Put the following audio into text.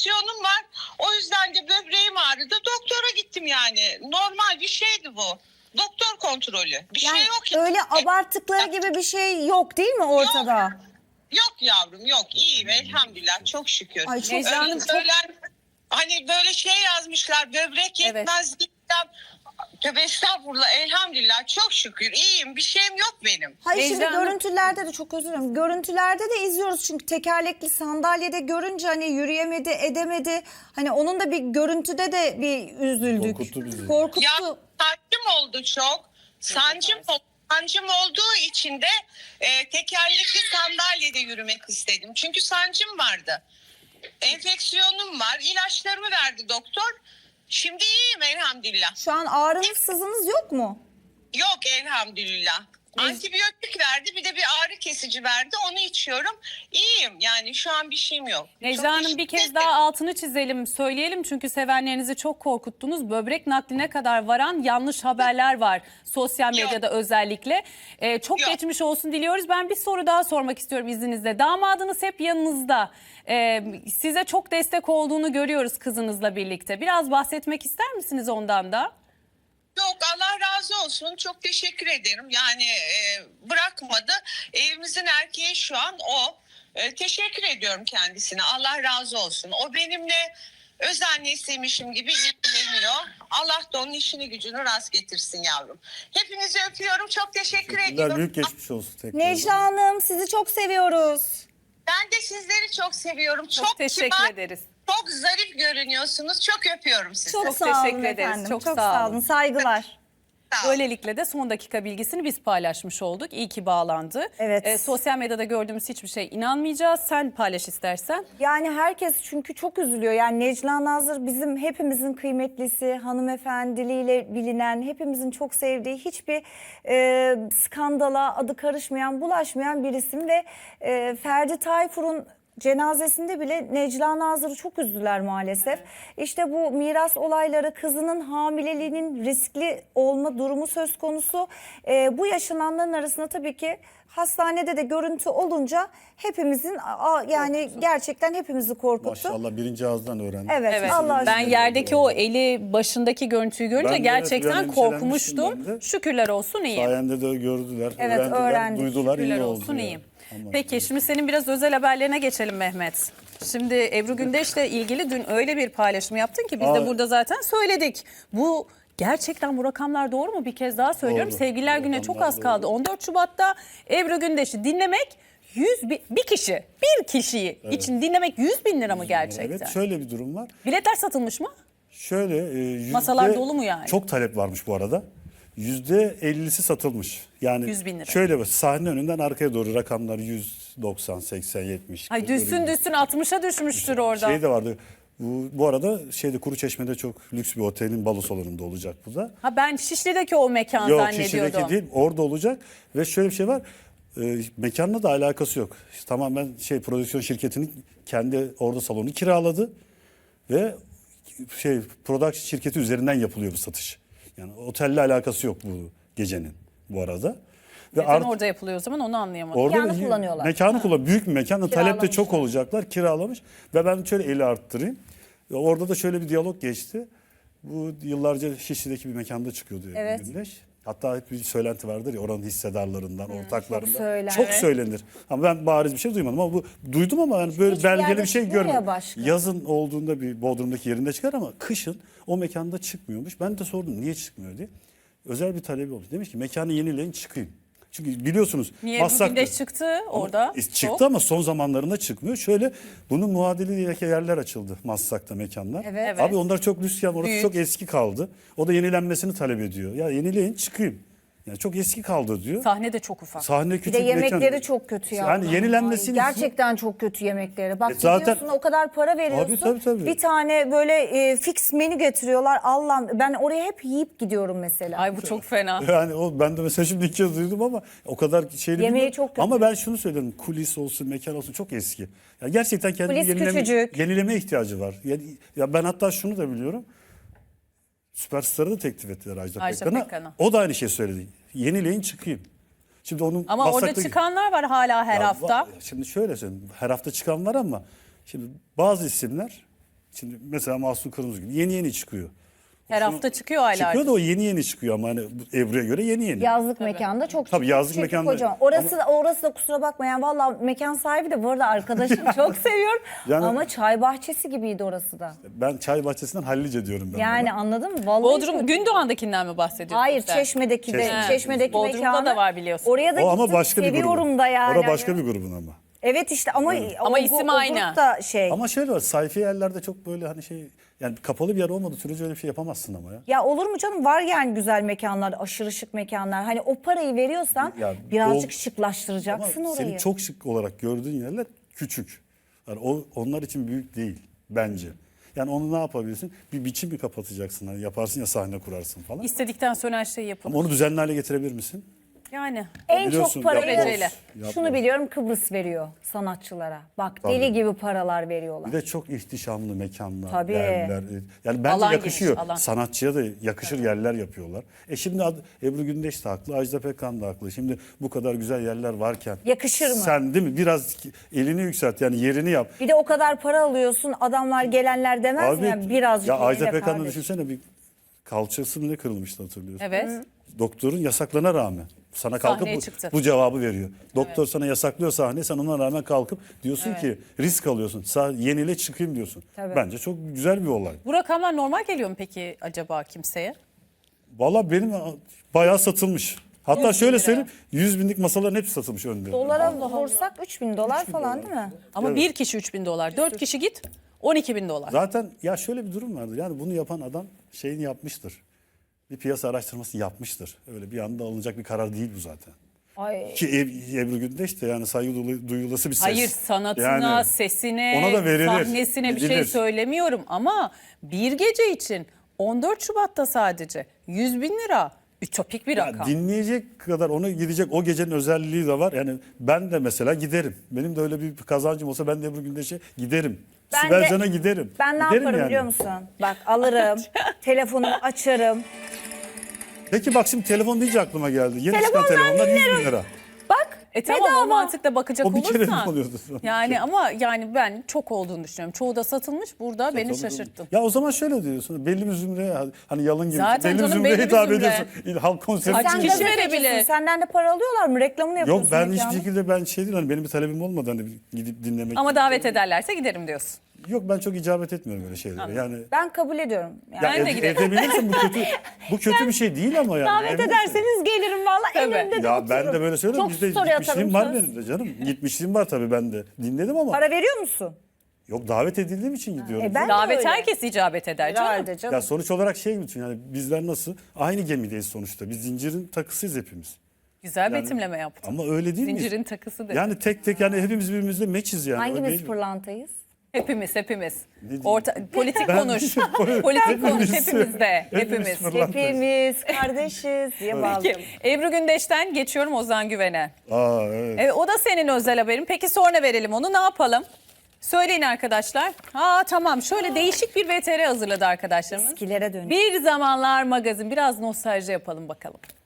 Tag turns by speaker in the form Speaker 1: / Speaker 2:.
Speaker 1: enfeksiyonum var. O yüzden de böbreğim ağrıdı. Doktora gittim yani. Normal bir şeydi bu. Doktor kontrolü. Bir
Speaker 2: Yani
Speaker 1: şey yok.
Speaker 2: öyle abarttıkları gibi bir şey yok değil mi ortada?
Speaker 1: Yok yavrum yok. İyiyim elhamdülillah. Çok şükür.
Speaker 2: Ay, çok
Speaker 1: Öyle
Speaker 3: Hanım, çok-
Speaker 1: hani böyle şey yazmışlar. Böbrek yetmez gittim. Tövbe estağfurullah, elhamdülillah çok şükür iyiyim, bir şeyim yok benim.
Speaker 2: Hayır
Speaker 3: Necla
Speaker 2: şimdi
Speaker 3: Hanım-
Speaker 2: görüntülerde de çok özür dilerim. Görüntülerde de izliyoruz çünkü tekerlekli sandalyede görünce hani yürüyemedi, edemedi. Hani onun da bir görüntüde de bir üzüldük.
Speaker 4: Korkuttu bizi.
Speaker 2: Korkuttu.
Speaker 1: Ya sancım oldu çok. Sancım olduğu için de tekerlekli sandalyede yürümek istedim. Çünkü sancım vardı. Enfeksiyonum var. İlaçlarımı verdi doktor. Şimdi iyiyim elhamdülillah.
Speaker 2: Şu an ağrınız sızınız yok mu?
Speaker 1: Yok elhamdülillah. Antibiyotik verdi, bir de bir ağrı kesici verdi. Onu içiyorum. İyiyim yani, şu an bir şeyim yok. Çok
Speaker 3: Necla Hanım, bir
Speaker 1: teşekkür
Speaker 3: kez
Speaker 1: ederim.
Speaker 3: daha altını çizelim, söyleyelim çünkü sevenlerinizi çok korkuttunuz. Böbrek nakline kadar varan yanlış haberler var sosyal medyada özellikle. Çok
Speaker 1: Yok.
Speaker 3: geçmiş olsun diliyoruz. Ben bir soru daha sormak istiyorum izninizle. Damadınız hep yanınızda. Size çok destek olduğunu görüyoruz kızınızla birlikte. Biraz bahsetmek ister misiniz ondan da?
Speaker 1: Yok, Allah razı olsun. Çok teşekkür ederim. Yani bırakmadı. Evimizin erkeği şu an o. Teşekkür ediyorum kendisine. Allah razı olsun. O benimle öz annesiymişim gibi ilgileniyor. Allah da onun işini gücünü rast getirsin yavrum. Hepinizi öpüyorum. Çok teşekkür ediyorum.
Speaker 4: Büyük geçmiş olsun tekrar.
Speaker 2: Necla Hanım sizi çok seviyoruz.
Speaker 1: Ben de sizleri çok seviyorum.
Speaker 3: Çok teşekkür
Speaker 1: kibar,
Speaker 3: ederiz.
Speaker 1: çok zarif görünüyorsunuz. Çok öpüyorum sizi.
Speaker 2: Çok,
Speaker 3: Çok
Speaker 2: sağ olun
Speaker 3: teşekkür ederiz.
Speaker 2: efendim.
Speaker 3: Çok
Speaker 2: Çok
Speaker 3: sağ
Speaker 2: sağ
Speaker 3: olun.
Speaker 2: olun. Saygılar.
Speaker 1: Sağ olun.
Speaker 3: Böylelikle de son dakika bilgisini biz paylaşmış olduk. İyi ki bağlandı.
Speaker 2: Evet.
Speaker 3: Sosyal medyada gördüğümüz hiçbir şey inanmayacağız. Sen paylaş istersen.
Speaker 2: Yani herkes çünkü çok üzülüyor. Yani Necla Nazır bizim hepimizin kıymetlisi, hanımefendiliğiyle bilinen, hepimizin çok sevdiği, hiçbir skandala adı karışmayan, bulaşmayan bir isim ve Ferdi Tayfur'un cenazesinde bile Necla Nazır'ı çok üzdüler maalesef. İşte bu miras olayları, kızının hamileliğinin riskli olma durumu söz konusu. Bu yaşananların arasında tabii ki hastanede de görüntü olunca hepimizin yani gerçekten hepimizi korkuttu.
Speaker 4: Maşallah birinci ağızdan öğrendim.
Speaker 2: Evet,
Speaker 3: Evet.
Speaker 2: Allah
Speaker 3: Ben
Speaker 2: aşkına.
Speaker 3: yerdeki o eli başındaki görüntüyü görünce
Speaker 4: Ben de
Speaker 3: gerçekten
Speaker 4: evet, endişelenmiştim
Speaker 3: korkmuştum.
Speaker 4: ben de.
Speaker 3: Şükürler olsun iyiyim.
Speaker 4: Sayende de gördüler,
Speaker 2: Evet,
Speaker 4: öğrendiler,
Speaker 2: öğrendik.
Speaker 4: duydular,
Speaker 3: Şükürler
Speaker 4: iyi
Speaker 3: olsun
Speaker 4: oldu.
Speaker 3: iyiyim.
Speaker 4: Tamam.
Speaker 3: Peki şimdi senin biraz özel haberlerine geçelim Mehmet. Şimdi Ebru Gündeş'le ilgili dün öyle bir paylaşım yaptın ki biz de
Speaker 4: Aa.
Speaker 3: burada zaten söyledik. Bu gerçekten bu rakamlar doğru mu? Bir kez daha söylüyorum.
Speaker 4: Doğru.
Speaker 3: Sevgililer
Speaker 4: Bu
Speaker 3: Günü'ne çok
Speaker 4: rakamlar
Speaker 3: az kaldı.
Speaker 4: doğru.
Speaker 3: 14 Şubat'ta Ebru Gündeş'i dinlemek bir kişiyi için dinlemek 100 bin lira mı gerçekten?
Speaker 4: Evet, şöyle bir durum var.
Speaker 3: Biletler satılmış mı?
Speaker 4: Şöyle
Speaker 3: Masalar dolu mu yani?
Speaker 4: Çok talep varmış bu arada. %50'si satılmış. Yani
Speaker 3: 100 bin lira.
Speaker 4: şöyle bak, sahne önünden arkaya doğru rakamlar 190, 80, 70.
Speaker 3: Ay
Speaker 4: Böyle
Speaker 3: düşsün
Speaker 4: bir-
Speaker 3: düşsün 60'a düşmüştür orada.
Speaker 4: Şey de vardı. Bu arada Kuruçeşme'de çok lüks bir otelin balo salonunda olacak bu da.
Speaker 3: Ha ben Şişli'deki o mekan
Speaker 4: Yok,
Speaker 3: zannediyordum.
Speaker 4: Şişli'deki değil, orada olacak ve şöyle bir şey var. Mekanla da alakası yok. Tamamen prodüksiyon şirketinin kendi orada salonu kiraladı ve production şirketi üzerinden yapılıyor bu satış. Yani otelle alakası yok bu gecenin bu arada. Ve
Speaker 3: Neden orada yapılıyor o zaman onu anlayamadım.
Speaker 2: Mekanı kullanıyorlar.
Speaker 4: Mekanı kullan. Büyük bir mekan. Talep de çok
Speaker 2: Kiralamışlar.
Speaker 4: olacaklar. Kiralamış. Ve ben şöyle eli arttırayım. Orada da şöyle bir diyalog geçti. Bu yıllarca Şişli'deki bir mekanda çıkıyordu
Speaker 2: Evet.
Speaker 4: Gündeş. Hatta hep bir söylenti vardır ya, oranın hissedarlarından, ortaklarından.
Speaker 2: söylenir.
Speaker 4: Çok söylenir. Ama ben bariz bir şey duymadım ama duydum ama yani böyle
Speaker 2: Hiçbir
Speaker 4: belgeli
Speaker 2: yerde
Speaker 4: bir şey
Speaker 2: çıkmıyor ya
Speaker 4: görmedim.
Speaker 2: başka.
Speaker 4: Yazın olduğunda bir Bodrum'daki yerinde çıkar ama kışın o mekanda çıkmıyormuş. Ben de sordum niye çıkmıyor diye. Özel bir talebi olmuş. Demiş ki mekanı yenileyin, çıkayım. Çünkü biliyorsunuz
Speaker 3: Niye Ebru
Speaker 4: Maslak'ta-
Speaker 3: Gündeş çıktı orada?
Speaker 4: Çıktı ama son zamanlarında çıkmıyor. Şöyle bunun muadili yerler açıldı Maslak'ta, mekanlar.
Speaker 2: Evet.
Speaker 4: Abi onlar çok lüks, orası
Speaker 3: Büyük.
Speaker 4: çok eski kaldı. O da yenilenmesini talep ediyor. Ya yenileyin, çıkayım. Yani çok eski kaldı diyor.
Speaker 3: Sahne de çok ufak.
Speaker 4: Sahne
Speaker 2: Bir
Speaker 4: küçük
Speaker 2: de yemekleri
Speaker 4: mekan.
Speaker 2: çok kötü ya.
Speaker 4: Yani yenilenmesini
Speaker 2: Gerçekten çok kötü yemekleri. Bak
Speaker 4: zaten-
Speaker 2: gidiyorsun o kadar para veriyorsun.
Speaker 4: Tabii.
Speaker 2: Bir tane böyle fix menü getiriyorlar. Allah'ım ben oraya hep yiyip gidiyorum mesela.
Speaker 3: Ay bu çok fena.
Speaker 4: Yani ben de mesela şimdi ilk kez duydum ama o kadar şeyli
Speaker 2: Yemeği
Speaker 4: bilmiyorum.
Speaker 2: çok kötü.
Speaker 4: Ama ben şunu söyledim. Kulis olsun, mekan olsun çok eski. Yani gerçekten kendini
Speaker 2: Kulis küçücük.
Speaker 4: yenileme ihtiyacı var. Ya ben hatta şunu da biliyorum. Süperstar'ı da teklif ettiler Ajda
Speaker 3: Pekkan'a.
Speaker 4: Pekkan'a. O da aynı şey söyledi. Yenileyin, çıkayım. Şimdi onun
Speaker 3: Ama orada
Speaker 4: Maslak'taki-
Speaker 3: çıkanlar var hala her
Speaker 4: Ya
Speaker 3: hafta.
Speaker 4: Şimdi şöyle söyleyeyim. Her hafta çıkan var ama şimdi bazı isimler Şimdi mesela Mahsun Kırmızıgül yeni çıkıyor.
Speaker 3: Her hafta çıkıyor aylardır.
Speaker 4: Çıkıyor da o yeni çıkıyor ama hani bu Ebru'ya göre yeni.
Speaker 2: Yazlık mekanda çok
Speaker 4: Tabii yazlık
Speaker 2: çünkü
Speaker 4: mekanda-
Speaker 2: kocaman. Orası da kusura bakmayan valla mekan sahibi de bu arada arkadaşım çok seviyorum.
Speaker 4: Yani-
Speaker 2: Ama çay bahçesi gibiydi orası da.
Speaker 4: Ben çay bahçesinden hallice diyorum ben.
Speaker 2: Yani
Speaker 4: buna.
Speaker 2: anladın mı? Vallahi
Speaker 3: Bodrum
Speaker 2: çok-
Speaker 3: Gündoğan'dakinden mi bahsediyorsun?
Speaker 2: Hayır
Speaker 3: sen?
Speaker 2: Çeşme'deki de
Speaker 4: Çeşme.
Speaker 2: Çeşme'deki
Speaker 3: Bodrum'da
Speaker 2: mekanı.
Speaker 3: da var biliyorsun.
Speaker 2: Oraya da
Speaker 4: O ama
Speaker 2: gittim,
Speaker 4: başka bir grubun.
Speaker 2: seviyorum da yani.
Speaker 4: Orada başka bir grubun ama.
Speaker 2: Evet işte ama
Speaker 3: Ama isim aynı.
Speaker 2: grup da şey.
Speaker 4: Ama şöyle var, sayfi yerlerde çok böyle hani şey, yani kapalı bir yer olmadığı sürece öyle bir şey yapamazsın ama ya.
Speaker 2: Ya olur mu canım, var yani güzel mekanlar, aşırı şık mekanlar. Hani o parayı veriyorsan
Speaker 4: Ya
Speaker 2: birazcık
Speaker 4: Ama
Speaker 2: şıklaştıracaksın orayı.
Speaker 4: senin çok şık olarak gördüğün yerler küçük. Yani onlar için büyük değil bence. Yani onu ne yapabilirsin? Bir biçim mi kapatacaksın? Hani yaparsın ya, sahne kurarsın falan.
Speaker 3: İstedikten sonra her şeyi yapın.
Speaker 4: Ama onu düzenli hale getirebilir misin?
Speaker 3: Yani.
Speaker 2: En
Speaker 4: Biliyorsun,
Speaker 2: çok parayı
Speaker 3: yapmaz.
Speaker 2: şunu
Speaker 4: Yapmaz.
Speaker 2: biliyorum, Kıbrıs veriyor sanatçılara. Bak deli
Speaker 4: Tabii.
Speaker 2: gibi paralar veriyorlar.
Speaker 4: Bir de çok ihtişamlı mekanlar,
Speaker 2: Tabii.
Speaker 4: yerler. Yani bence
Speaker 3: Alan
Speaker 4: yakışıyor.
Speaker 3: geniş, alan.
Speaker 4: Sanatçıya da yakışır yerler yapıyorlar. Şimdi Ebru Gündeş de haklı, Ajda Pekkan da haklı. Şimdi bu kadar güzel yerler varken.
Speaker 2: Yakışır mı?
Speaker 4: Sen değil mi? Biraz elini yükselt, yani yerini yap.
Speaker 2: Bir de o kadar para alıyorsun, adamlar gelenler demez mi? Yani birazcık
Speaker 4: ya Ajda
Speaker 2: eline
Speaker 4: Pekkan'ı
Speaker 2: kardeş.
Speaker 4: düşünsene, bir kalçası mı ne kırılmıştı, hatırlıyorsun.
Speaker 3: Evet.
Speaker 4: Doktorun yasaklana rağmen sana kalkıp
Speaker 3: Sahneye çıktı.
Speaker 4: bu cevabı veriyor. Doktor sana yasaklıyor sahne, sen ona rağmen kalkıp diyorsun ki risk alıyorsun. Yenile çıkayım diyorsun.
Speaker 2: Tabii.
Speaker 4: Bence çok güzel bir olay.
Speaker 3: Bu rakamlar normal geliyor mu peki acaba kimseye?
Speaker 4: Valla benim bayağı satılmış. Hatta
Speaker 3: 100
Speaker 4: şöyle
Speaker 3: lira.
Speaker 4: söyleyeyim, 100 binlik masaların hepsi satılmış önde.
Speaker 2: Dolara vursak 3.000 dolar falan değil mi?
Speaker 3: Ama
Speaker 4: Evet.
Speaker 3: bir kişi 3.000 dolar. 4 kişi git 12.000 dolar.
Speaker 4: Zaten ya şöyle bir durum vardır. Yani bunu yapan adam şeyini yapmıştır. Bir piyasa araştırması yapmıştır. Öyle bir anda alınacak bir karar değil bu zaten.
Speaker 2: Ay.
Speaker 4: Ki Ebru Gündeş de yani saygı duyulası bir ses.
Speaker 3: Hayır, sanatına,
Speaker 4: Yani
Speaker 3: sesine,
Speaker 4: ona da verilir,
Speaker 3: sahnesine bir şey
Speaker 4: edilir.
Speaker 3: söylemiyorum ama bir gece için 14 Şubat'ta sadece 100 bin lira ütopik bir
Speaker 4: ya
Speaker 3: rakam.
Speaker 4: dinleyecek kadar, ona gidecek o gecenin özelliği de var. Yani ben de mesela giderim. Benim de öyle bir kazancım olsa ben de Ebru Gündeş'e giderim.
Speaker 2: Ben
Speaker 4: Sibel
Speaker 2: de-
Speaker 4: Can'a giderim.
Speaker 2: Ben ne
Speaker 4: Giderim
Speaker 2: yaparım
Speaker 4: yani.
Speaker 2: biliyor musun? Bak alırım, telefonumu açarım.
Speaker 4: Peki bak, şimdi telefon deyince aklıma geldi. Yeni
Speaker 2: Telefondan
Speaker 4: çıkan telefonlar 100 bin lira.
Speaker 2: Bak
Speaker 3: Tamam, o
Speaker 2: bedava.
Speaker 3: mantıkla bakacak
Speaker 4: O bir kere mi
Speaker 3: olursan.
Speaker 4: oluyordu?
Speaker 3: Yani ama yani ben çok olduğunu düşünüyorum. Çoğu da satılmış, burada beni
Speaker 4: Tabii.
Speaker 3: şaşırttın.
Speaker 4: Ya o zaman şöyle diyorsun. Belli bir zümreye, hani yalın gibi.
Speaker 3: Zaten
Speaker 4: belli bir
Speaker 3: canım,
Speaker 4: zümreye
Speaker 3: belli bir
Speaker 4: hitap
Speaker 3: zümre.
Speaker 4: ediyorsun. Halk konseri
Speaker 3: Kaç
Speaker 2: Sen
Speaker 3: kişi
Speaker 4: için.
Speaker 3: verebilir?
Speaker 2: gazetecisin, senden de para alıyorlar mı? Reklamını yapıyorsun
Speaker 4: Yok, ben
Speaker 2: mekanın.
Speaker 4: hiçbir şekilde ben şey değil, hani benim bir talebim olmadı hani gidip dinlemek.
Speaker 3: Ama davet ederlerse giderim diyorsun.
Speaker 4: Yok, ben çok icabet etmiyorum öyle şeylere. Yani
Speaker 2: Ben kabul ediyorum. Yani.
Speaker 4: ya
Speaker 3: Ben de giderim.
Speaker 4: edebilirsin, bu kötü bir şey değil ama yani.
Speaker 2: Davet
Speaker 4: Edebilirsin.
Speaker 2: ederseniz gelirim valla,
Speaker 3: Tabii.
Speaker 2: elimde de
Speaker 4: Ya ben
Speaker 2: otururum.
Speaker 4: de böyle söylüyorum.
Speaker 2: Çok
Speaker 4: Bizde
Speaker 2: story
Speaker 4: gitmişliğim
Speaker 2: atarım
Speaker 4: var
Speaker 2: söz.
Speaker 4: benim de canım. Gitmişliğim var tabii, ben de. Dinledim ama.
Speaker 2: Para veriyor musun?
Speaker 4: Yok, davet edildiğim için gidiyorum.
Speaker 2: ben de
Speaker 3: Davet
Speaker 2: öyle.
Speaker 3: herkes icabet eder canım.
Speaker 2: Herhalde canım.
Speaker 4: Ya sonuç olarak şey bütün, yani bizler nasıl? Aynı gemideyiz sonuçta. Biz zincirin takısıyız hepimiz.
Speaker 3: Güzel betimleme yaptın.
Speaker 4: Ama öyle değil mi?
Speaker 3: Zincirin takısı dedi.
Speaker 4: Yani tek tek, yani hepimiz birbirimizle meçiz yani.
Speaker 2: Hangimiz
Speaker 4: Öyle-
Speaker 2: pırlantayız?
Speaker 3: Hepimiz.
Speaker 4: diyeyim?
Speaker 3: Politik
Speaker 4: Ben-
Speaker 3: konuş. Politik konuş
Speaker 4: Hepimiz-
Speaker 3: hepimiz de.
Speaker 4: hepimiz
Speaker 3: Hepimiz.
Speaker 4: fırlat-
Speaker 2: Hepimiz kardeşiz diye bağladım.
Speaker 3: Peki, Ebru Gündeş'ten geçiyorum Ozan Güven'e.
Speaker 4: Aa, evet.
Speaker 3: Evet, o da senin özel haberin. Peki sonra verelim onu, ne yapalım? Söyleyin arkadaşlar. Tamam, şöyle değişik bir VTR hazırladı arkadaşlarımız.
Speaker 2: Eskilere dönüş.
Speaker 3: Bir Zamanlar magazin, biraz nostalji yapalım bakalım.